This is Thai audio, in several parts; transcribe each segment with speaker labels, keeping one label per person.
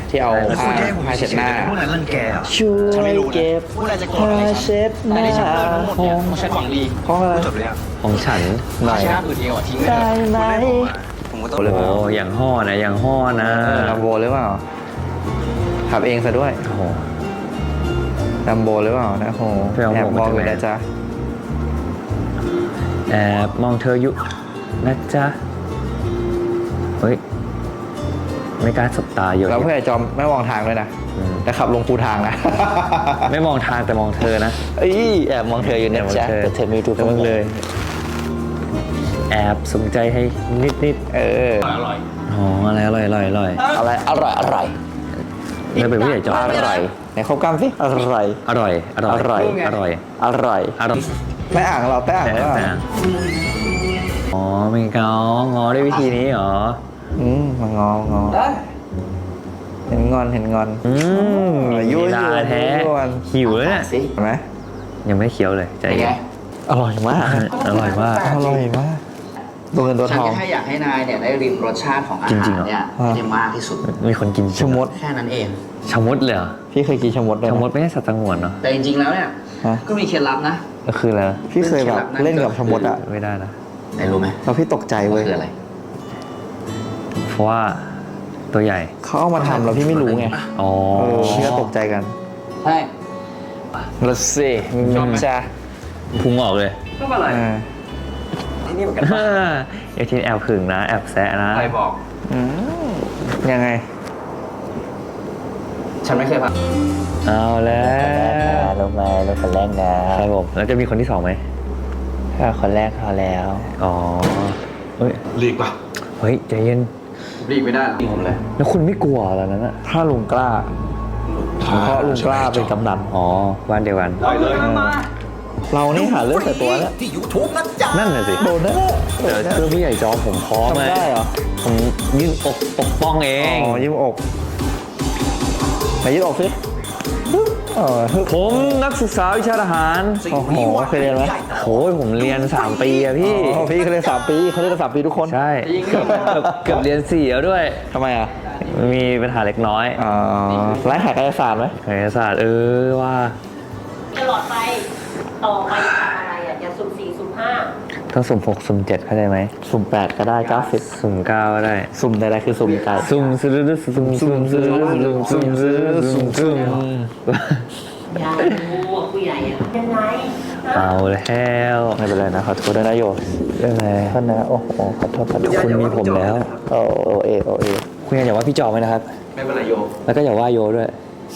Speaker 1: ที่เอาผ้าเช็ดหน้า
Speaker 2: พวกนั้นรังแกอ่ะ
Speaker 1: ช่วยเก็บ
Speaker 2: พวกนั้นจะโกรธอะไร
Speaker 1: ผ้า
Speaker 2: ฉัน
Speaker 1: เช็ดห
Speaker 2: แต่
Speaker 1: น้า
Speaker 2: ในฉันเลิกทั้งหมดเนี่ยเขาใช้ของดี
Speaker 1: เพราะอะไร
Speaker 2: จบเลยอ่ะ
Speaker 3: ของฉันหน่อย
Speaker 2: ใช้หน้าอื่นเดียวอ่ะทิ้งไว้
Speaker 1: ได้ไหม
Speaker 2: ผมก็ต้อง
Speaker 3: โอ้โหอย่างห่อนะอย่างห่อนะ
Speaker 1: ลัมโบหรือเปล่าขับเองซะด้วย
Speaker 3: โอ้โห
Speaker 1: ลัมโบหรือเปล่านะโห
Speaker 3: ไปเอาหมวก
Speaker 1: แอบมองอยู่
Speaker 3: มาจากไหน
Speaker 1: นะจ๊ะ
Speaker 3: แอบมองเธออยู่นะจ๊ะเฮ้ยไม่กล้าสบตาอยู่
Speaker 1: แล้วเพื่อนไอ้จอมไม่มองทางด้วยนะ
Speaker 3: อืม
Speaker 1: แต่ขับลงคูทางนะ
Speaker 3: ไม่มองทางแต่มองเธอนะ
Speaker 1: เอ้ยแอบมองเธออยู่นะจ๊ะแต่เธอไม่รู้
Speaker 3: แต่มึงเลย แอบสนใจให้นิดนิด
Speaker 1: เออ
Speaker 3: ๆอ๋ออะไรอร่อยอร่อยอร่อย
Speaker 1: อะไรอร่อยอร่อย
Speaker 3: แล้วเป็นผู้ใหญ่จอ
Speaker 1: อร่อยไหนเข้ากล้ามสิอร่อย
Speaker 3: อร่อยอร่อย
Speaker 1: อร่อย
Speaker 3: อร่อย
Speaker 1: อร่อย
Speaker 3: อร่อย
Speaker 1: ไม่อ่างเราแต่อ่าง
Speaker 3: แต่
Speaker 1: หรือเปล่า
Speaker 3: แต่อ๋อมีเกางอด้วยวิธีนี้เหรอ
Speaker 1: มางองอเห็นงอนเห็นงอน
Speaker 3: อืม
Speaker 1: ยั่ว
Speaker 3: ลีลาแท้
Speaker 1: ยั่ว
Speaker 3: หิวแล้วเนี่ย
Speaker 1: สิเห็นไหม
Speaker 3: ยังไม่เคี้ยวเลยใจ
Speaker 2: เป็นไง
Speaker 3: เย็น
Speaker 1: อร่อยมาก
Speaker 3: อร่อยมาก
Speaker 1: อร่อยมากตัวเงินตัว
Speaker 2: ฉัน
Speaker 1: ทอง
Speaker 2: แค่อยากให้นายเนี่ยได้ริมรสชาติของอา
Speaker 3: จริ
Speaker 2: หาง
Speaker 3: ๆเหร
Speaker 2: ร
Speaker 3: อ
Speaker 2: เนี่ย
Speaker 1: อ่า
Speaker 2: ให้มากที่สุด
Speaker 3: มีคนกิน
Speaker 1: ชะมด
Speaker 2: แค่นั้นเอง
Speaker 3: ชะมดเลยเหรอ
Speaker 1: พี่เคยกินชะมดด้วย
Speaker 3: ชะ
Speaker 1: นะ
Speaker 3: มดไม่ใช่สัตว์สงวนเนาะ
Speaker 2: แต่จริงๆแล้วเนี่ย
Speaker 1: ฮะ
Speaker 2: ก็มีเคล็ดลับนะ
Speaker 3: ก็คืออะไร
Speaker 1: พี่เคยแบบเล่นกับชะมดอ่ะ
Speaker 3: ไม่ได้นะ
Speaker 2: นายรู้ไหม
Speaker 1: แล้วพี่ตกใจ
Speaker 2: ว่า
Speaker 1: เว้ย
Speaker 2: คืออะไร
Speaker 3: เพราะว่าตัวใหญ่
Speaker 1: เขาเอามาทำแล้วพี่ไม่รู้ไง
Speaker 3: อ๋อ
Speaker 1: พี่ก็ตกใจกัน
Speaker 2: ใช่
Speaker 1: แล้วสิจ้า
Speaker 3: พุงออกเลย
Speaker 2: ก็อะไร ที่นี่เหมือนกัน
Speaker 3: เอทีแอบผึ่งนะ แอบแซะนะ
Speaker 2: ใครบอก
Speaker 1: ยังไง
Speaker 2: ฉันไม่เคยพัก
Speaker 3: เอาแล้ว
Speaker 1: ลงมาลงคนแรกนะครับ
Speaker 3: ผมแล้วจะมีคนที่สองไหม
Speaker 1: ถ้าคนแรกพอแล้ว
Speaker 3: อ๋อเฮ้ย
Speaker 4: หลีกป่ะ
Speaker 3: เฮ้ยใจเย็น
Speaker 2: รีบไม่ได้หรอกผมเลย
Speaker 3: แล้วคุณไม่กลัวตอนนั้นอะ
Speaker 1: ถ้าลุงกล้า เพราะลุงกล้าเป็นกำนัน
Speaker 3: อ๋อบ้านเดียวกัน
Speaker 4: ได้เลย
Speaker 1: เรานี่หาเรื่องใส่ตัวแล้ว
Speaker 3: นั่นน่ะสิ
Speaker 1: โดนแน่
Speaker 3: เดี๋ยวเพื่อผู้ใหญ่จอมผมพร้อม
Speaker 1: ทำได้เหรอ
Speaker 3: ผมยื่นอกปกป้องเอง
Speaker 1: อ๋อยิ้มอกไหนยิ้มอกสิฮึบ
Speaker 3: ผมนักศึกษาวิชาทหาร
Speaker 1: โอ้โหเคยเรียนไหม
Speaker 3: โอ้ยผมเรียน 3 ปีอะพี่
Speaker 1: อ๋อพี่เขาเรียน3 ปีเขาเรียน3 ปีทุกคน
Speaker 3: ใช่เกือบเรียน4แล้วด้วย
Speaker 1: ทำไมอ่ะ
Speaker 3: มีปัญหาเล็กน้อย
Speaker 1: อ๋อไร้ขายกายศาสตร์ไหม
Speaker 3: คณิตศาสตร์ว่า
Speaker 5: ตลอดไปต่อไปทำอะไรอ่ะอย่าสุ่ม4สุ่ม5
Speaker 3: ต้องสุ่ม6สุ่ม7เข้าใจไหม
Speaker 1: สุ่ม8ก็ได้90
Speaker 3: สุ่ม9ก็ได้
Speaker 1: สุ่มใดๆคือสุ่มไก่
Speaker 3: สุ่มซื้อสุ่มสุ่มซื้อสุ่มซื้อสุ่มสุ่ม
Speaker 5: อย่ารู้ว่าผู้ใหญ่อ่ะยังไงนะ
Speaker 3: เอาแล้ว
Speaker 1: ไม่เป็นไรนะขอโทษด้วยนะโย
Speaker 3: เรื่องอะไร
Speaker 1: ท่านนะโอ้โหขอโทษ
Speaker 3: คุณมีผมแล้ว
Speaker 1: โอเอ
Speaker 3: คุณอย่าว่าพี่จอมไหมนะครับ
Speaker 2: ไม่เป็นไรโย
Speaker 3: แล้วก็อย่าว่าโยด้วย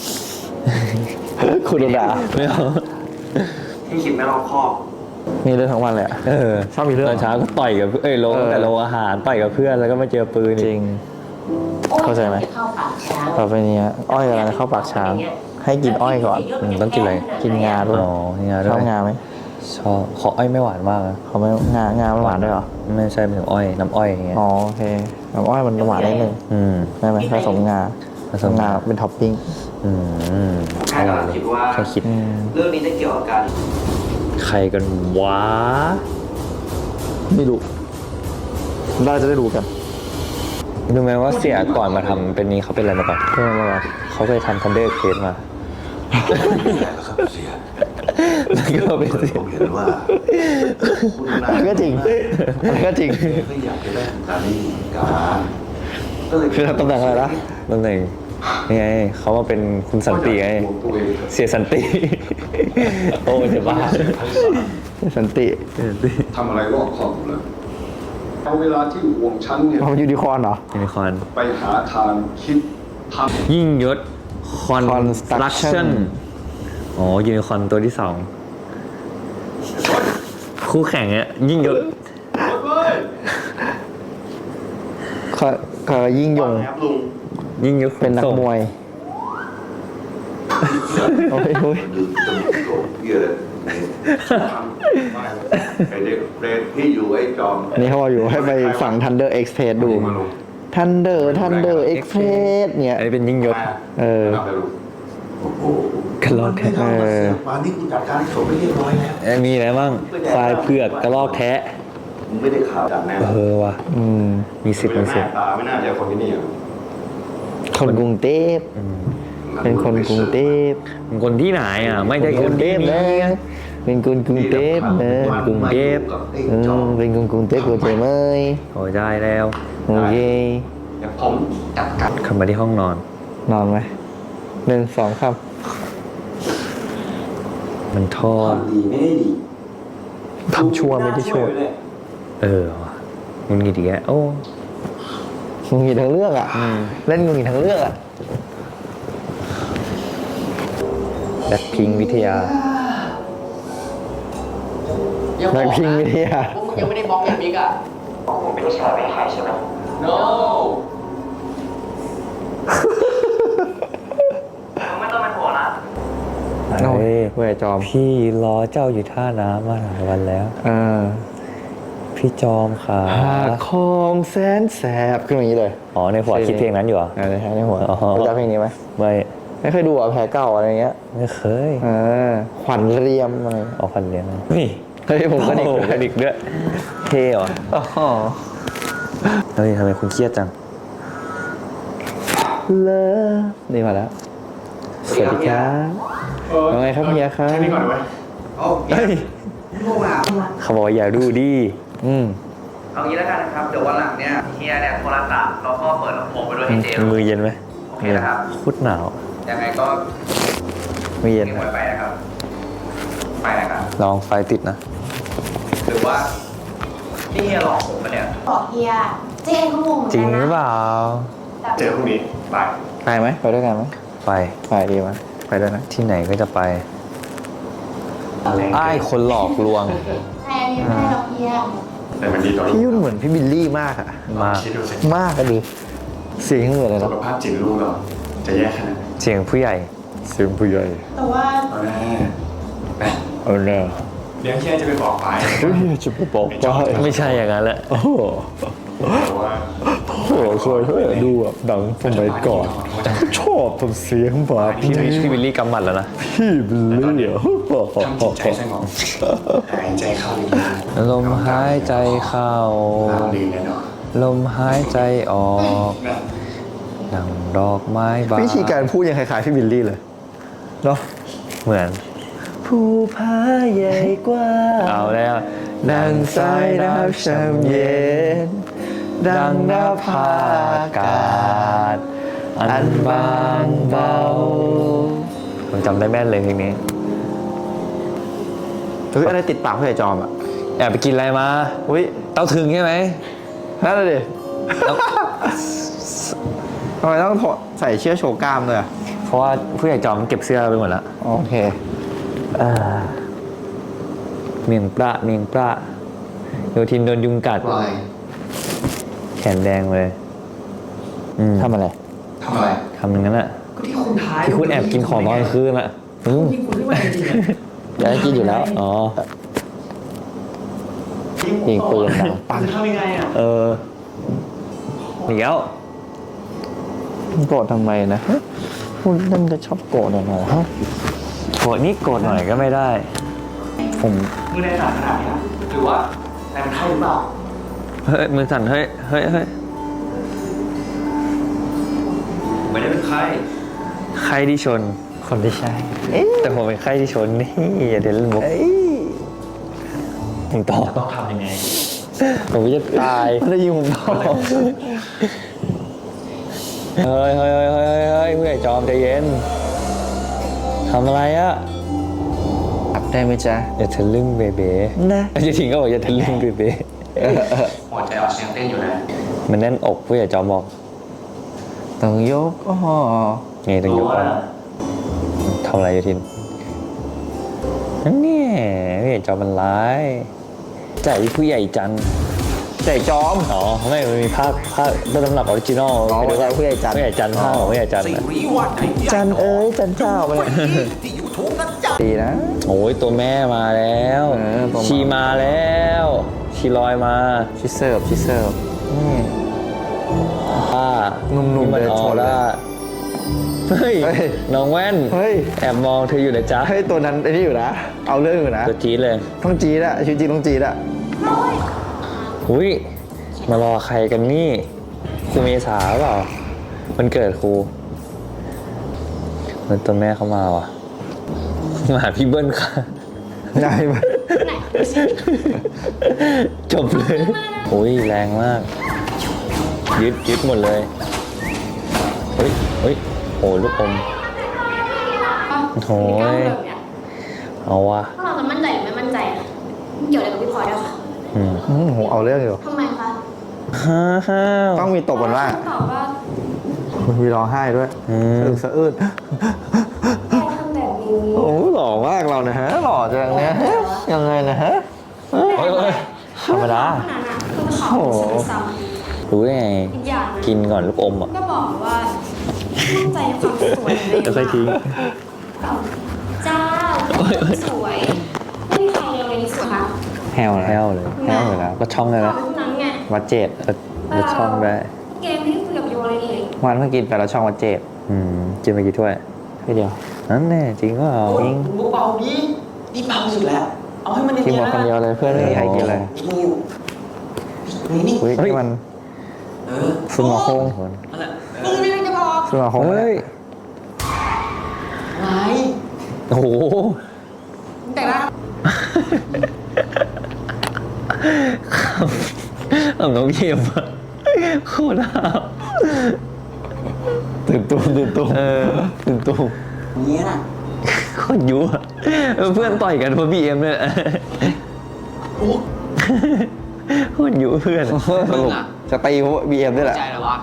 Speaker 1: คุณโดนด่า
Speaker 3: ไม่เอา
Speaker 2: ที่คิดไม่รอบคอบ
Speaker 1: มีเรื่องทั้งวันเลยอะ ชอบมีเรื่อง
Speaker 3: ตอนเช้าก็ต่อยกับลง
Speaker 1: เออ
Speaker 3: แต่โรงอาหารต่อยกับเพื่อนแล้วก็มาเจอปืน
Speaker 1: จริง
Speaker 5: โอ๊ย
Speaker 1: เข้าใจไหม
Speaker 5: จะเข้าปากช้าง
Speaker 1: ต่อไปนี้อ้อยกำลังจะเข้าปากช้าง ให้กินอ้อยก่อน
Speaker 3: ต้องกินอะไร
Speaker 1: กินงาด้วย
Speaker 3: อ๋องา
Speaker 1: ช
Speaker 3: ด้
Speaker 1: อ
Speaker 3: ว
Speaker 1: บ
Speaker 3: ย
Speaker 1: งาไหม
Speaker 3: ชอบขออ้อยไม่หวานมากนะ
Speaker 1: เขาไม่งามันหวานด้วยเหรอ
Speaker 3: ไม่ใช่เป็นถึงอ้อยน้ำอ้อยอย่างเงี้ย
Speaker 1: อ๋อโอเคน้ำอ้อยมันหวานนิดนึง
Speaker 3: ม
Speaker 1: ได้ไหมผสมงา
Speaker 3: ผสมงา
Speaker 1: เป็นท็อปปิ้ง
Speaker 3: อืม
Speaker 2: แค่กำลังคิดว่า
Speaker 3: แค่คิด
Speaker 2: เรื่องนี้จะเกี่ยวกับการ
Speaker 3: ใครกันวะ
Speaker 1: ไม่รู้เราจะได้รู้กัน
Speaker 3: รู้ไหมว่าเสียก่อนมาทำเป็นนี้เขาเป็นอะไรมาก่อน
Speaker 1: เรื่องอะไร
Speaker 3: เขาเคยทำทันเดอร์เคสมา
Speaker 4: ครับเสีย
Speaker 3: แล้วก็เป็นเสีย
Speaker 4: ผมเห็นว่าคุณนาย
Speaker 1: ก็จริงก็จริง
Speaker 4: ก็อยากจะได้การนี้การก็เลย
Speaker 1: คือทำตำแหน่งอะไรนะ
Speaker 3: นั่นเองนี่ไงเขามาเป็นคุณสันติไง
Speaker 4: ตัวเอง
Speaker 3: เสียสันติ โอ้จะบ้า
Speaker 1: สันติ
Speaker 4: ทำอะไรรอบคอบอยู่แล้วเอาเวลาที่วงชั้นเนี่ย
Speaker 1: มันยูนิคอร์นเหรอ
Speaker 3: ยูนิคอร์น
Speaker 4: ไปหาทางคิดทำ
Speaker 3: ยิ่งยศคอนสตรัก
Speaker 1: Construction
Speaker 3: ชั่นอ๋อยูนิคอร์นตัวที่ 2 คู่แข่งเนี่ยยิ่งยศ
Speaker 1: ก็ยิ่งยง
Speaker 4: ครับลุง
Speaker 3: ยิ่งยศ
Speaker 1: เป็นนักมวยโอ้ยโอ้ย
Speaker 4: ดึงจมูกโกรธเหี้ยเลยไอเด็กเปรตที่อยู่ไอ้จอม
Speaker 1: อันนี้เขาบอกอยู่ให้ไปฝั่ง Thunder Express ดู
Speaker 4: มาลง
Speaker 1: Thunder Express เนี่ย
Speaker 3: อันนี้เป็นยิ่งยศ
Speaker 1: เออ
Speaker 4: ทำไปลูกโอ้โห
Speaker 3: กระรอกแท้
Speaker 4: มานี่กูจัดการให้จบไปเรียบร้อยแล้ว
Speaker 3: มีอะไรบ้างควายเผือกกระรอกแท้
Speaker 4: มึงไม่ได้ข่าวจากแน่
Speaker 3: ว่ะมีสิทธิ์
Speaker 4: ตาไม่น่าจะคนที่นี่อ่ะ
Speaker 1: เขาคนกรุงเทพเป็นคนกรุงเทพ
Speaker 3: คนที่ไหนอ่ะ ไม่ใช่
Speaker 1: ก
Speaker 3: ค
Speaker 1: รุ
Speaker 3: น
Speaker 1: งเท
Speaker 3: ที่
Speaker 1: พ
Speaker 3: นี่
Speaker 1: นะเป็นคนกรุงเทพนะ
Speaker 3: กรุงเทพ
Speaker 1: เป็นคนกรุงเทพเข้าใจไหม
Speaker 3: โอ้ยได้แล้ว
Speaker 1: โอเค
Speaker 2: เดี๋ยวผมจัดการ
Speaker 3: เข้ามาที่ห้องนอน
Speaker 1: นอนไหม1 2ครับ
Speaker 3: มันทอด
Speaker 2: ดีไม่ได้ดี
Speaker 1: ทำชั่วไม่ได้ชั่ว
Speaker 3: เออว่ะมึงกี่ทีโอ้
Speaker 1: งุนงิดทั้งเรื่องอ่ะเล่นงุนงิดทั้งเรื่องอ่ะ
Speaker 3: แบ็คพิงวิทยา
Speaker 1: แบ็คพิงวิทยา
Speaker 2: พวกมึงยังไม่ได้บล็อกอย่างบิ๊กอ่ะผมเป็นผู้ชายไม่หายใช่ไหม no ไม่ต้องเป็นห่วงนะ
Speaker 3: เฮ้ย
Speaker 1: เว้ยจอม
Speaker 3: พี่รอเจ้าอยู่ท่าน้ำมาหลายวันแล้ว พี่จอมขา
Speaker 1: หากคอมแสนแสบขึ้นมาอย่างนี้เลย
Speaker 3: อ๋อในหัวคิดเพลงนั้นอยู่เหรอ
Speaker 1: ในในหัว
Speaker 3: อ๋อ
Speaker 1: รู้จักเพลงนี้ไหม
Speaker 3: ไม่
Speaker 1: ไม่เคยดูอ่ะแพ้เก่าอะไรเงี้ย
Speaker 3: ไม่เคย
Speaker 1: ขวัญเรียมอะไร
Speaker 3: เอาพันเลี้ยงนี่
Speaker 1: เฮ้ยผมก็เด็ก
Speaker 3: โอ้โห
Speaker 1: เหมือนกัน
Speaker 3: เด็กด้วยเท่เหรอ
Speaker 1: อ๋อ
Speaker 3: เฮ้ยทำไมคุณเครียดจัง
Speaker 1: เลิฟนี่มาแล้ว สวัสดีครับว่าไงครับเฮียครับ
Speaker 4: แค่นี้ก่อนไหม
Speaker 2: โอ้
Speaker 3: เฮ้ย
Speaker 2: พวกเรา
Speaker 3: เขาบอกว่าอย่าดูดิ
Speaker 2: เอางี้แล้วกันนะครับ เดี๋ยววันหลังเนี่ยเฮียเนี่ยโทรศัพท์แล้วก็เปิดลำโพงไปด้วยให้เจล
Speaker 3: มือเย็นไหม
Speaker 2: โอเคนะครับ
Speaker 3: โคตรหนาว
Speaker 2: ยังไงก็
Speaker 1: ไม่เย็น
Speaker 2: เก็บไว้ไปนะครับ ไปนะครับ
Speaker 3: ลองไฟติดนะ
Speaker 2: หรือว่านี่เฮียหลอกผมปะเนี่ย
Speaker 5: บอกเฮียเจ๊เขางงเหมือน
Speaker 3: จริ
Speaker 5: กั
Speaker 3: ง
Speaker 5: น
Speaker 3: หรือเป
Speaker 5: นะ
Speaker 3: ล่า
Speaker 4: เจอพรุ่งนี้บาย
Speaker 1: ไปไหมไปด้วยกันไหม
Speaker 3: ไป
Speaker 1: ไปดีไหมไปด้วยนะ
Speaker 3: ที่ไหนก็จะไปอ้ายคนหลอกลวง
Speaker 5: แทนยังไม่ได้หรอกเฮีย
Speaker 4: แต่มันดีต่อ
Speaker 1: พี่ยุ่นเหมือนพี่บิลลี่มากอะ
Speaker 3: มาก
Speaker 4: คิดดูสิ
Speaker 1: มากอะดิเสียงเหมือนเลย
Speaker 4: สุ
Speaker 1: นะ
Speaker 4: ขภาพจิตลูกเราจะแย่ขนาดไหน
Speaker 3: เสียงผู้ใหญ่
Speaker 1: เสียงผู้ใหญ่
Speaker 5: แต่ว่า
Speaker 4: เอาแน่ไป
Speaker 1: เอาแน่
Speaker 4: เดี๋ยวเฮียจะไปบอกไป
Speaker 1: เฮ้ยจะไปบอกว่า
Speaker 3: ไม่ใช่อย่างนั้นแหละ
Speaker 1: โอ้โห
Speaker 4: แต่ว่า
Speaker 1: โอ้โหเคยดูแบบหนังสมัยก่อนชอบทำเสียงแบบ
Speaker 3: พี่วิลลี่กำหมัดแล้วนะ
Speaker 1: พี่บิลลี่เหรอ
Speaker 4: ทำจิตใจสงบหายใจเข้าลึก
Speaker 3: ลมหายใจเข้า
Speaker 4: ๆราบรื่นแน่นอน
Speaker 3: ลมหายใจออกดังดอกไม้บาน
Speaker 1: วิธีการพูดยังคล้ายๆพี่บิลลี่เลยเนาะ
Speaker 3: เหมือน
Speaker 1: ภูผาใหญ่กว่า
Speaker 3: เอาแล้ว
Speaker 1: ดังสายน้ำช่ำเย็น ดังนภาอากาศ อันบางเบา
Speaker 3: ผมจำได้แม่นเลยเพลงนี้
Speaker 1: เฮ้ยอะไรติดปากพี่ไอจอมอ่ะ
Speaker 3: แอบไปกินอะไรมา
Speaker 1: อุ้ย
Speaker 3: เต้าถึงใช่ไหม
Speaker 1: นั่นเลยดิ
Speaker 3: แล้ว
Speaker 1: ทำไมต้องใส่เชือกโชว์กล้ามเลยอ่ะ
Speaker 3: เพราะว่าผู้ใหญ่จอมเก็บเสื้อไปหมดแล้ว
Speaker 1: โอเค
Speaker 3: เมียงปลาเมียงปลาโยทินโดนยุงกัด แขนแดงเลย
Speaker 1: ทำอะไร
Speaker 4: ทำอะไร
Speaker 3: ทำอย่างนั้นอะ
Speaker 2: ก็ที่คุณทาย
Speaker 3: ที่คุณแอบกินของตอนกลางคืนอะ
Speaker 2: ที่คุณที่มาจริงๆอะ
Speaker 1: อยากให้กินอยู่แล้ว
Speaker 3: อ๋อ
Speaker 1: ยิงปืนดังปัง
Speaker 2: คุณทำยังไงอ่ะ
Speaker 3: เดี๋ยว
Speaker 1: โกรธทำไมนะฮะคุณนั่นจะชอบโกรธหน่อยฮะ
Speaker 3: โกรธนี่โกรธหน่อยก็ไม่ได้ ผม
Speaker 2: มือในสารขนาดนี้นะหรือว่าในมันไข้หรือเปล่า
Speaker 3: เฮ้ยมือสั่นเฮ้ยเฮ้ยเฮ้ย
Speaker 2: ไม่ได้เป็นไข้
Speaker 3: ใครที่ชน
Speaker 1: คนที่ใช่
Speaker 3: แต่ผมเป็นใครที่ชนนี่อย่าเดี๋ยวเล่นมุกผมตอบ
Speaker 2: ต้องทำยังไง
Speaker 3: ผมจะตาย
Speaker 1: ได้ยินผมตอบ
Speaker 3: เฮ้ยเฮ้ยเฮ้ยเฮ้ยเฮ้ยผู้ใหญ่จอมใจเย็นทำอะไรอะ
Speaker 1: อับได้ไหมจ๊ะ
Speaker 3: อย่าทะลึ่งเบเบ้
Speaker 1: นะ
Speaker 3: จะทิ้งก็บอกอย่าทะลึ่งเบเบ้
Speaker 2: หัวใจอ่อนเสียงเต้นอยู่นะ
Speaker 3: มันแน่นอกผู้ใหญ่จอมบอก
Speaker 1: ต้องยกอ๋อ
Speaker 3: ไงต้องยกอ่ะทำอะไรอยู่ทินนั่นเนี่ยผู้ใหญ่จอมมันร้ายใจผู้ใหญ่จันทร์
Speaker 1: ใจจอม
Speaker 3: อ๋อไม่มันมีภาคต้นตำรับออริจินอล
Speaker 1: อ๋อ
Speaker 3: ไปดูว่า
Speaker 1: ผู้ใหญ่จันทร์
Speaker 3: ผู้ใหญ่จันทร์ภาคของผู้ใหญ่จันทร์อะ
Speaker 1: จันเอ้ยจันเจ้าไปเลยดีนะ
Speaker 3: โอ้ยตัวแม่มาแล้ว
Speaker 1: ตัวมา
Speaker 3: ชีมาแล้วชีลอยมา
Speaker 1: ชิเสิร์ฟชิเสิร์ฟนี่
Speaker 3: ป้า
Speaker 1: หนุ่มๆ
Speaker 3: นี่มัน
Speaker 1: เดิน
Speaker 3: อ
Speaker 1: ช
Speaker 3: อน ร่าเฮ้ย
Speaker 1: เฮ้ย
Speaker 3: น้องแว่น
Speaker 1: เฮ้ย
Speaker 3: แอบมองเธออยู่นะจ๊ะ
Speaker 1: เฮ้ยตัวนั้นไอ้นี่อยู่นะ เอาเรื่องอยู่นะ
Speaker 3: ตัวจี๊ดเลย
Speaker 1: ต้องจีดอะชีวิตจริงต้องจีดอะ
Speaker 3: หุยมารอใครกันนี่ครูเมษาเปล่ามันเกิดครูมันตัวแม่เขามาว่ะมาหาพี่เบิ้ลค่ะ
Speaker 1: ได้ไหม
Speaker 5: ไหน
Speaker 3: จบเลยโอ้ยแรงมาก ยึดหมดเลยเฮ้ยโอ้ลูกอมโอ้ยเอาว่ะ
Speaker 5: พวกเราจะมั่นใจหรือไม่มั่นใจอะเกี่ยวอะไรกับพี่พลอยด้วยคะ
Speaker 1: โหเอาเรื่องอยู่
Speaker 5: ทำไมคะ
Speaker 3: ฮ่าว
Speaker 1: ต้องมีตบกันว่า
Speaker 5: ตอบว่า
Speaker 1: มีร้องไห้ด้วยสะอื้น
Speaker 5: แกทำแบบนี้
Speaker 1: โอ้หล่อมากเรานะฮะหล่อจังเนี่ยยังไงนะฮะ
Speaker 3: เฮ้ยธรรมดา
Speaker 5: ขนาดนั้นคือเขาซ้ำ
Speaker 3: รู้ได้ไง
Speaker 5: อีกอย่างนะ
Speaker 3: กินก่อนลูกอมอ่ะ
Speaker 5: ก็บอกว่ามั่นใจในความสวยของตัวเอง
Speaker 3: แล้วค่อยทิ้ง
Speaker 5: เจ้าสวยไม่มีใครเลยสวยค่ะ
Speaker 1: แฮว
Speaker 3: แห้วเลย
Speaker 1: แฮวเลยแล้วก็ช่องเลยนะ
Speaker 5: เท่านั้นไง
Speaker 1: วัดเจด
Speaker 3: แล้วช่องได้
Speaker 5: เกมที่คุยกับโยเลยนี่
Speaker 1: วันเพิ่งกินไปแล้วช่องวัดเจด
Speaker 3: กินไปกี่ถ้วย
Speaker 1: ไม่เดียว
Speaker 3: นั่นแน่จริงก็เอา
Speaker 1: จริง
Speaker 6: เบาๆดินี่เบาสุดแล้ว เอาให้มัน
Speaker 1: กิน
Speaker 6: เนี
Speaker 1: หม
Speaker 6: ย
Speaker 1: ด
Speaker 6: น
Speaker 1: คนเดียวเลยเพื่อนไม่มีใครกินเลย
Speaker 6: นี่
Speaker 1: อุ้ยนี่มัน ซุนหมอคง
Speaker 6: นั่นแหละ
Speaker 5: มึงไม่ได้จะบอก
Speaker 1: ซุนหมอคง
Speaker 3: เฮ้ย
Speaker 6: อะไร
Speaker 3: โอ้โห
Speaker 5: แต่ละ
Speaker 3: เอาน้องเยี่ยมอะโคตรห้าว
Speaker 1: ตื่นตุ้มตื่นตุ้ม
Speaker 6: นี้น่ะ
Speaker 3: โคตรยั่วเพื่อนต่อยกันเพราะบีเอ็มเนี่ยแหละโคตรยั่วเพื่อน
Speaker 1: สรุปจะตีเพราะบีเอ็มด้วยแหละ
Speaker 6: ใจเหรอวะ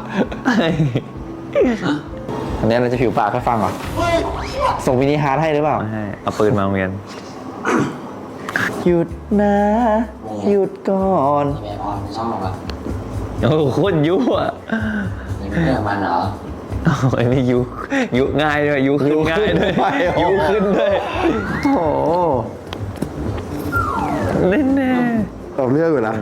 Speaker 1: อันนี้เราจะผิวปากให้ฟังก่อนส่งมินิฮาร์ดให้หรือเปล่า
Speaker 3: ไม่ให้เอาปืนมาโรงเรียน
Speaker 1: หยุดนะหยุดก่อน
Speaker 6: แม่ออนช่องหรอวะ
Speaker 3: โอ้โหโคตรยั่ว
Speaker 6: นี่ไม่ได้มันเหรอ
Speaker 3: ไอ้นี่ยุง่ายด้วยยุขึ้นง่ายด้วยยุขึ้นด้วย
Speaker 1: โอ้โห
Speaker 3: แน่
Speaker 1: ตอบเรื่องอยู่นะ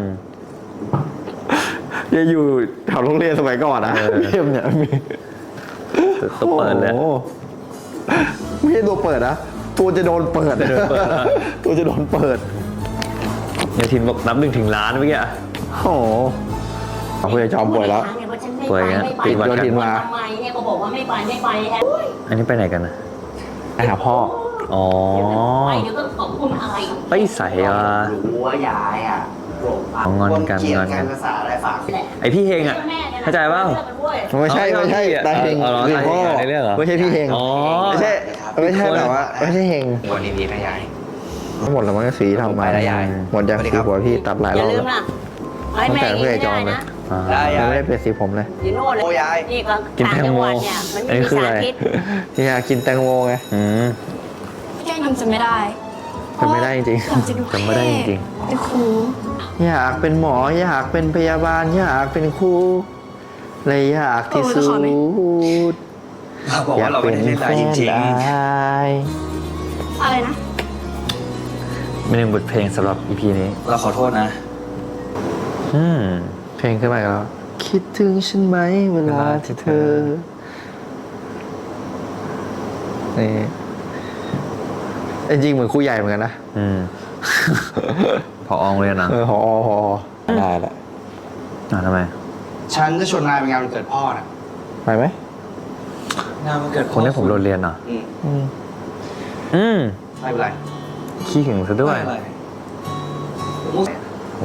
Speaker 1: ยังอยู่แถวโรงเรียนสมัยก่อนนะบีเอ็มเนี่ยมี
Speaker 3: ๆตัวเปิดเลย
Speaker 1: โอ้โหไม่ใช่ตัวเปิดนะตัวจะโดนเปิดตัวจะโดนเปิด
Speaker 3: ยายทินบอกนับ1 ถึงล้านเมื่อกี้อะ
Speaker 1: โอ้โหเอาคุณยายจอมป่วยแล้ว
Speaker 3: ป่วยไงติดหวัด
Speaker 1: โยน
Speaker 3: กั
Speaker 1: ทิ
Speaker 3: น
Speaker 1: นมา
Speaker 5: ทำไมเนี่ยก็บอกว่าไม่ไปแอน
Speaker 3: อันนี้ไปไหนกันนะ
Speaker 1: ไปหาพ่อ
Speaker 3: อ๋อ
Speaker 5: ไปเดี๋ยวก็ขอบคุณอะไร
Speaker 3: ไปใส่อ่ะ
Speaker 6: รู้ว่ายายอ่ะโกรธปาก
Speaker 3: งอนกัน
Speaker 6: เกลียด
Speaker 3: งอน
Speaker 6: กั
Speaker 3: กัน น
Speaker 6: ภาษาอะไรฝาก
Speaker 3: ไอพี่เฮงอ่ะ เข้าใจเปล่า
Speaker 1: ไม่ใช่ไม่ใช่ตาเฮง
Speaker 3: เอาเหรอ
Speaker 1: คือพ่อ
Speaker 3: ตาเฮงในเรื่องเหรอ
Speaker 1: ไม่ใช่พี่เฮง
Speaker 3: อ๋อ
Speaker 1: ไม่ใช่ไม่ใช่แบบว่าไม่ใช่เฮง
Speaker 6: วันนี้พี่นะยาย
Speaker 1: หมดแล้วมันก็สีทำมา
Speaker 6: ไปแล้วยาย
Speaker 1: หมดยังสีหัวพี่ตัดหลาย
Speaker 5: อ
Speaker 1: ร
Speaker 5: ย่า
Speaker 1: อบ
Speaker 5: ลื
Speaker 1: แล้ว
Speaker 5: มล่ะไอ้แม่
Speaker 1: ตั้งแต่เพื่อนไอ้จอมเลย
Speaker 3: อ่า
Speaker 6: ได้
Speaker 1: ยัง
Speaker 6: ยาย
Speaker 1: ไม่ได้เปลี่ยนสีผมเลย
Speaker 5: อยู่โน่นเลย
Speaker 6: โอ้ยาย
Speaker 5: นี่ก็
Speaker 3: กินแตงโม
Speaker 5: ต่าจัหวัดเนี่ยมัน
Speaker 3: อันนี้
Speaker 5: มี
Speaker 3: คือ
Speaker 5: สา
Speaker 3: อะไร
Speaker 5: รพิษ
Speaker 1: ที่อยากกินแตงโมไง
Speaker 3: อืม
Speaker 7: แกยังจำไม่ได้
Speaker 1: จำไม่ได้จริง
Speaker 7: อยากจะดู
Speaker 3: จำไม่ได้จริง
Speaker 7: เป็นครู
Speaker 1: ๆอยากเป็นหมออยากเป็นพยาบาลอยากเป็นครูเลยอยากที่สุด
Speaker 6: บอก
Speaker 1: อยา
Speaker 6: ว่าก เรา
Speaker 1: เป็
Speaker 6: ไม่
Speaker 1: น
Speaker 6: ได้เล่น
Speaker 1: แฟ
Speaker 6: ได้จ
Speaker 1: น
Speaker 6: ริง
Speaker 1: ได้
Speaker 7: อะไรนะ
Speaker 3: เป็นหนึ่งบทเพลงสำหรับ EP นี้
Speaker 6: ๆ เราขอโทษนะ
Speaker 1: เพลงขึ้นมาอีกแล้วคิดถึงฉันไหมเวลาที่เธอนี่จริงๆเหมือนครูใหญ่เหมือนกันนะ
Speaker 3: พออโรงเรียนนะ
Speaker 1: พอได้แหละ
Speaker 3: ทำไม
Speaker 6: ฉันจะชวนนายไปงานวันเกิดพ่อนะ
Speaker 1: ไปไหม
Speaker 6: งานวันเกิด
Speaker 3: คนที่ผมโดนเรียนอ่ะ
Speaker 6: ไม่เป็นไร
Speaker 3: ขี้หึงซะด้วย
Speaker 6: ไม่เป็นไร
Speaker 3: โอ้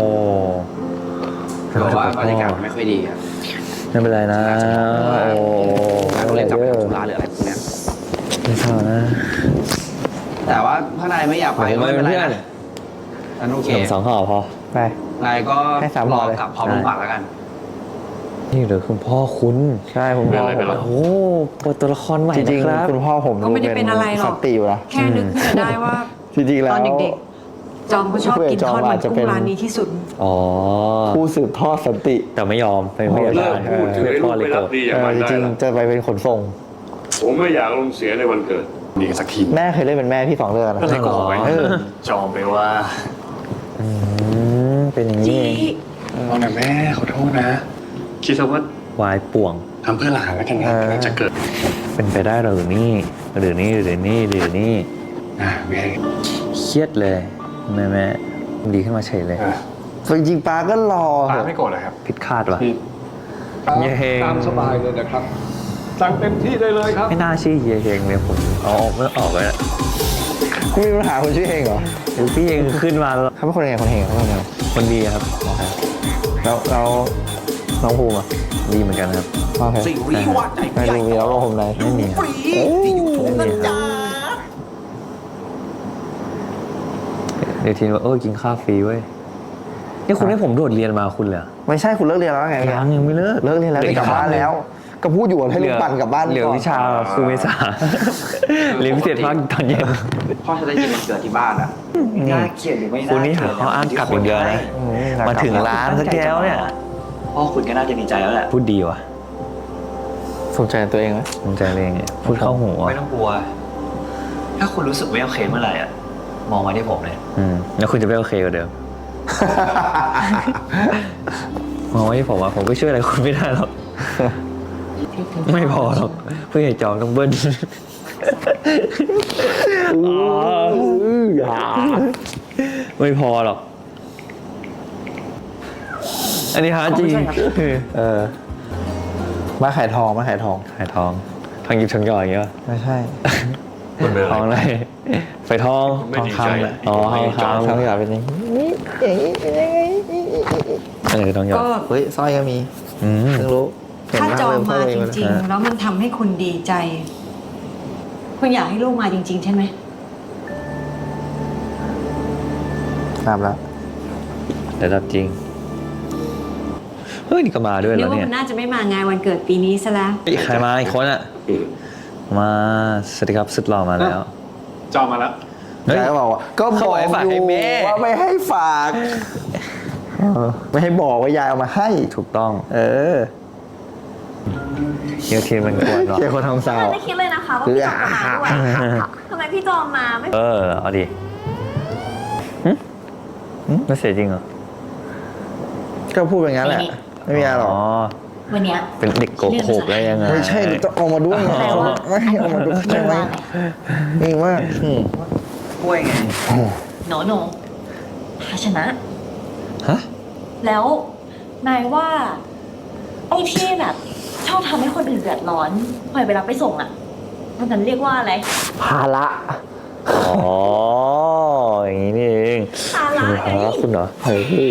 Speaker 6: บอกว่าบรรยากาศมันไม่ค่อยดีอ่ะ
Speaker 3: ไม่เป็นไรนะ โอ้
Speaker 6: เราเล่นกับธุระหรืออะไรพวกเนี้ย
Speaker 3: ไม่เศร้านะ
Speaker 6: แต่ว่าถ้านายไม่อยากไป
Speaker 3: ผม
Speaker 6: ก็
Speaker 3: ไม่
Speaker 6: ไม่
Speaker 3: เป็
Speaker 6: เป็น นไร
Speaker 3: เพื่อน
Speaker 6: นะฉันโอเค
Speaker 3: 2 ห่อพอ
Speaker 1: ไป
Speaker 6: นายก็
Speaker 1: ให้3
Speaker 6: ร
Speaker 1: ห่
Speaker 6: อ
Speaker 1: อเลย
Speaker 6: กลับพร้อมลูกปัดแล้วกัน
Speaker 3: นี่เหรือคุณพ่อคุณ
Speaker 1: ใช่คุณพ่อผม
Speaker 3: โอ้เปิดตัวละครใหม่
Speaker 1: จริง
Speaker 3: นะครับ
Speaker 1: ๆคุณพ่อผม
Speaker 7: ก็ไม่ได้เป็นอะไรหรอก
Speaker 1: สัตติอยู่นะ
Speaker 7: แค่นึกขึ้นมาได้ว่า
Speaker 1: จริงๆแล้ว
Speaker 7: ตอนเด็กๆ จอมก็ชอบกินทอดมันกุ้งร้านนี้ที่สุด
Speaker 3: อ๋อ
Speaker 1: ผู้สืบทอดสันติ
Speaker 3: แต่ไม่ยอมไม่อยาก
Speaker 4: เลิก
Speaker 3: ได้
Speaker 4: พูดถึงไอ้ลู
Speaker 3: พ่อก เลย
Speaker 4: ไม่
Speaker 3: โกร
Speaker 4: รั
Speaker 3: ธ
Speaker 4: บดีอย่างมัน
Speaker 1: จ
Speaker 4: ได้
Speaker 1: ริง
Speaker 4: ละ
Speaker 1: ๆจะไปเป็นขนส่ง
Speaker 4: ผมไม่อยากลงเสียในวันเกิดนี่สักที
Speaker 1: แม่เคยเล่นเป็นแม่พี่2 เรื่องนะ
Speaker 4: ก็เลยบอกไว้
Speaker 1: เออ
Speaker 4: จอมไปว่า
Speaker 3: เป็นอย่างนี้เอง
Speaker 4: เอาหน่ะแม่ขอโทษนะ คิดซะว่าว
Speaker 3: ายป่วง
Speaker 4: ทำเพื่อหลานแล้วกันนะกำลังจะเกิด
Speaker 3: เป็นไปได้หรือนี่หรือนี่หรือนี่หรือนี่
Speaker 4: แม่
Speaker 3: เครียดเลยแม่ดีขึ้นมาเฉยเลย
Speaker 4: อ่ะ
Speaker 1: จริงๆป้าก็รอ
Speaker 4: ป้าไม่โกรธเลยครับ
Speaker 3: ผิดคาดว่ะ
Speaker 4: ที่ครับ
Speaker 3: เย้เฮง
Speaker 4: ตามสบายเลยนะครับ สั่งเต็มที่ได้เลยครับ
Speaker 3: ไม่น่าชื่อเฮียเฮงเลยผมเอาออกไม่ออกเลย
Speaker 1: คุณมีปัญหาคนชื่อเฮงเหรอ
Speaker 3: หรือพี่เฮงขึ้นมาแล้ว
Speaker 1: เขาเป็นคนยังไงคนเฮงเขาเป็นยังไง
Speaker 3: คนดีครับ
Speaker 1: แล้วน้องภูมิอ่ะ
Speaker 3: ดีเหมือนกันครับ
Speaker 1: โอเค
Speaker 6: สิ่งวิวาใจ
Speaker 1: ไม่รู้มีแล้วลงผมไหน
Speaker 3: ไม่มีครับ
Speaker 6: ที่อยู่ตรงนั้นจ้า
Speaker 3: เดี๋ยวทีนว่ากินข้าวฟรีเว้ยนี่คุณให้ผมโดดเรียนมาคุณเหรอ
Speaker 1: ไม่ใช่คุณเลิกเรียนแล้วไง
Speaker 3: ยังไม่เลิก
Speaker 1: เลิกเรียนแล้วได้กลับบ้านแล้ว ก็พูดอยู่ว่าให้ลูกปั่นกลับบ้าน
Speaker 3: เหลือ
Speaker 1: ก่อน
Speaker 3: วิชาครูเมษาเรียนพิเศษภาคตอนเย็น
Speaker 6: พ่อจะได้ยินวันเกิดที่บ้านอ่ะน่าเกลียดหรือไม่
Speaker 3: คุณนี่หาข้ออ้างกลับอย่างเดียวนะ มาถึงร้านสักแก้วเนี่ย
Speaker 6: พ่อคุณก็น่าจะดีใจแล้วแหละ
Speaker 3: พูดดีว่ะ
Speaker 1: สนใจตัวเองไหม
Speaker 3: ภูมิใจเลยไงพูดเข้าหู
Speaker 8: ไม่ต้องกลัว ถ้าคุณรู้สึกไม่โอเคเมื่อไหร่อ่ะ มองมาที่ผมเลย
Speaker 3: แล้วคุณจะไม่โอเคกว่าเดิมมองไว้ที่ผมว่าผมก็ช่วยอะไรคุณไม่ได้หรอก ไม่พอหรอกเพื่อให้จองต้องเบิ้ลไม่พอหรอก อันนี้ฮาจริง
Speaker 1: มาขายทองมาขายทอง
Speaker 3: ขายทองทองหยิบทองหยอดอย่างเงี้ย
Speaker 1: ไม่ใช่
Speaker 3: ทองอะไรไฟทอง
Speaker 1: ทองคำแหละ
Speaker 3: อ๋อทองคำ
Speaker 1: ทองหยอดเป็นอย่างนี้อย่างนี้เป็นยังไง
Speaker 3: คือทองหยอด
Speaker 7: ก็
Speaker 1: เฮ้ยสร้อยก็มี
Speaker 3: อืม
Speaker 1: เพิ่งรู้เห็น
Speaker 7: ถ้า
Speaker 1: บ้
Speaker 7: จอง
Speaker 1: เลย
Speaker 7: มา
Speaker 1: เพิ่
Speaker 7: จ
Speaker 1: เลย
Speaker 7: ริงๆ แล้วมันทำให้คุณดีใจ คุณอยากให้ลูกมาจริง ๆ ใช่ไหม
Speaker 1: ตามแล้ว
Speaker 3: ระดับจริงเฮ้ยนี่ก็มาด้วย
Speaker 7: นึ
Speaker 3: แล้
Speaker 7: ก
Speaker 3: ว
Speaker 7: ว่า
Speaker 3: เนี่ย
Speaker 7: มันน่าจะไม่มางานวันเกิดปีนี้ซะแล้ว
Speaker 3: ใครมาอีกคนอ่ะมาสวัสดีครับสุดหล่อมาแล้ว
Speaker 4: จองมาแล้ว
Speaker 3: เฮ้ย
Speaker 1: ยายก็บอกว่าก็บ
Speaker 3: เขา
Speaker 1: อก
Speaker 3: บอกให้ฝาก
Speaker 1: อยู่
Speaker 3: ให้แม่
Speaker 1: ว่าไม่ให้ฝากไม่ให้บอกว่ายายเอามาให้
Speaker 3: ถูกต้อง
Speaker 1: เออ
Speaker 3: เดี๋ยวทีมมันกวนหรอ
Speaker 1: เจ้าคนทำสาว
Speaker 9: ไม่คิดเลยนะคะว่าพี่จอมมาด้วยทำไมพี่จอมมาไม่
Speaker 3: เอาดิไม่เสียจริงเหรอ
Speaker 1: ก็พูดอย่างนั้นแหละ ไม่มีอะไรหรอก
Speaker 9: วันเนี้ย
Speaker 3: เป็นเด็กโกหกได้ยังไง
Speaker 1: ไม่ใช่ต้องเอามาด้วย
Speaker 9: แต่ว่า
Speaker 1: ไม่ให้เอามาด้วยใช่ไหมนี่ว่า
Speaker 6: กล้วยไง
Speaker 9: หนูภาชนะ
Speaker 3: ฮะ
Speaker 9: แล้วนายว่า ไอ้ที่แบบ ชอบทำให้คนอื่นเดือดร้อนปล่อยเวลาไปส่งอ่ะมันนั้นเรียกว่าอะไร
Speaker 1: ภาระ
Speaker 3: อ๋ออย่างนี้นี่เอง
Speaker 9: ภาระไง
Speaker 3: คุณเหรอ
Speaker 1: เฮ้ย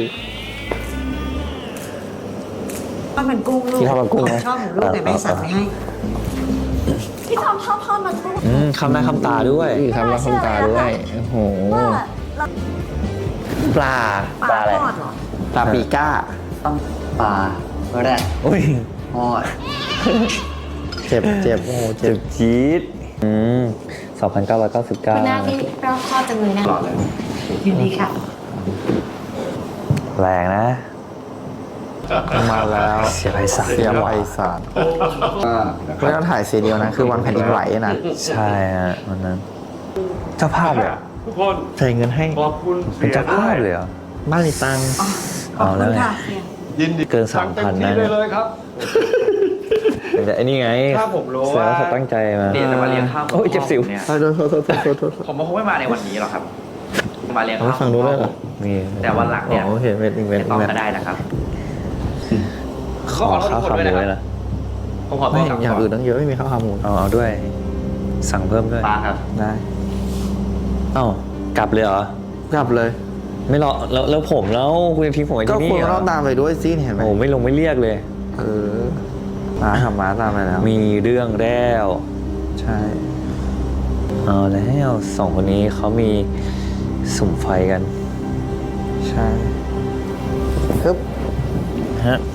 Speaker 7: ทอดมันกุ้งลูก
Speaker 1: กินทอดมันกุ้งไหม
Speaker 7: ชอบของลูกแต่แม่สั่งไม่ให้
Speaker 9: พี่จอมชอบทอดมันกุ้ง
Speaker 3: คำหน้าคำตาด้วย
Speaker 1: ทำรับคำตาด้วยโอ้โห
Speaker 9: ว่าเรา
Speaker 1: ปลา
Speaker 9: ปลาทอดเหรอ
Speaker 1: ปลาปีก้า
Speaker 6: ปลาแรด
Speaker 3: อุ้ย
Speaker 6: ทอด
Speaker 1: เจ็บโอ้โหเจ็
Speaker 3: เจ็
Speaker 1: บบ
Speaker 3: จี๊ด
Speaker 9: คุณ
Speaker 3: 2,999
Speaker 9: นาที่เราทอดจังเลยนะ
Speaker 6: ตลอดเลย
Speaker 7: ยินดีค่ะ
Speaker 3: แรงนะ
Speaker 1: มาแล้ว
Speaker 3: เสียไรสัก
Speaker 1: เสียไพศาลไม่ต้องถ่ายซีเดียวนะ คือวันแผ่นดินไหวนะ
Speaker 3: ใช่ฮะวันนั้น เจ้าภาพเลยเหรอ
Speaker 4: ทุกคน
Speaker 1: ใส่เงินให้
Speaker 4: ขอบคุณ
Speaker 3: เป็นเจ้าภาพเลยเหรอ
Speaker 1: บ้านในตังค์
Speaker 7: ขอบ
Speaker 3: เอา
Speaker 7: คุ
Speaker 3: แล้ว
Speaker 7: ณ
Speaker 3: ไง
Speaker 7: ค่ะเฮีย
Speaker 4: ยินดี
Speaker 3: เกิน
Speaker 4: สั่งเต็ม
Speaker 3: 3,000
Speaker 4: ที่
Speaker 3: นะ
Speaker 4: ได้เลยครับ
Speaker 3: แต่ไอ้นี่ไง
Speaker 6: ถ้าผมรู้
Speaker 3: แสดง
Speaker 6: ว่า
Speaker 3: ว่าเขาตั้งใจมา
Speaker 6: เนี่ยจะมาเรียนข้าว
Speaker 3: โอ้ยเจ็บสิว
Speaker 6: เนี่ย
Speaker 1: โทษ
Speaker 6: ผมคงไม่มาในวันนี้หรอกครับ มาเรียน
Speaker 1: เอา
Speaker 6: ข้าว
Speaker 1: ฟังดูด้วยเหรอ
Speaker 3: มี
Speaker 6: แต่วันหลัง
Speaker 1: อ๋
Speaker 6: เนี่ย
Speaker 1: อโอเคเป็นอีกเวน
Speaker 6: ไม่
Speaker 1: ต์
Speaker 6: ต้อง
Speaker 1: อีกเวน
Speaker 6: ก็
Speaker 1: ต์
Speaker 6: ได้นะครับ
Speaker 3: ขอข้าวขาหมูด้วยนะ
Speaker 6: ผมขอโท
Speaker 1: ไม่
Speaker 6: ษครับ
Speaker 1: อย่างอื่นตั้งเยอะไม่มีข้าวขาหมู
Speaker 3: เอาด้วย สั่งเพิ่มด้วย
Speaker 6: ปลาครับ
Speaker 1: ได้
Speaker 3: เอ้า กลับเลยเหรอ
Speaker 1: กลับเลย
Speaker 3: ไม่รอแล้วผมแล้วคุณจะทิ้งผมไว้
Speaker 1: ก็
Speaker 3: ที่
Speaker 1: คุณ
Speaker 3: นี่เหร
Speaker 1: ก็
Speaker 3: อ
Speaker 1: ต้องตามไปด้วยสิเห็นไหม
Speaker 3: โอ้ไม่ลงไม่เรียกเลย
Speaker 1: เออมาขับม้าตามไปแล้ว
Speaker 3: มีเรื่องแล้ว
Speaker 1: ใช่
Speaker 3: เอาแล้วสองคนนี้เขามีสุ่มไฟกัน
Speaker 1: ใช่ฮึบ
Speaker 3: ฮะ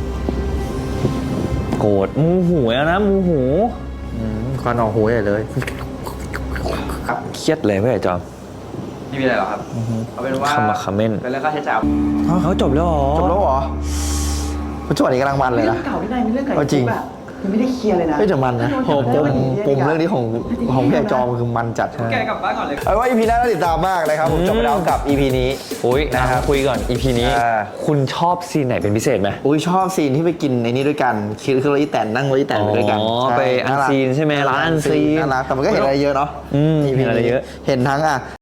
Speaker 3: โกรธมูหูแล้วนะมูหู
Speaker 1: ควันออกหูใหญ่เลย
Speaker 3: เครียดเลยไม่ใช่จอม
Speaker 6: ไม่มีอะไรหรอกครับเอาเป็นว่า
Speaker 3: ขมักเขม้น
Speaker 6: เป็นเรื่องค่าใช้จ่าย
Speaker 3: เขาจบแล้วเหรอ
Speaker 1: จบแล้วเหรอปัจจุบันนี้กำลังมันเลย
Speaker 6: เรื่อ
Speaker 1: นะ
Speaker 6: งเก่าที่นายมีเรื่องไก่
Speaker 1: เอาจริง
Speaker 6: แบบยังไม่ได้เคลียร์เลยนะ
Speaker 1: เฮ้ยแต่มันนะโหปมเรื่องนี้ของพี่ไอจอมคือมันจัด
Speaker 6: แกกลับบ้านก่อนเลย
Speaker 1: เอาว่า EP หน้าน่าติดตามมากนะครับผมจบไปแล้วกับ EP นี้
Speaker 3: อุ้ย
Speaker 1: นะ
Speaker 3: นะ
Speaker 1: ค
Speaker 3: ค
Speaker 1: รั
Speaker 3: รับ บคุยก่อน EP นี้
Speaker 1: อ่า
Speaker 3: คุณชอบซีนไหนเป็นพิเศษไหม
Speaker 1: อุ้ยชอบซีนที่ไปกินในนี้ด้วยกันคือเราอีแตนนั่งรถอีแตนไปด้วยกัน
Speaker 3: อ๋อ
Speaker 1: ใช่
Speaker 3: ไปอันซีนใช่ไหมร้านอันซีน
Speaker 1: น่ารักแต่มันก็เห็นอะไรเยอะเนาะ
Speaker 3: เห็นอะไรเยอะ
Speaker 1: เห็นทั้ง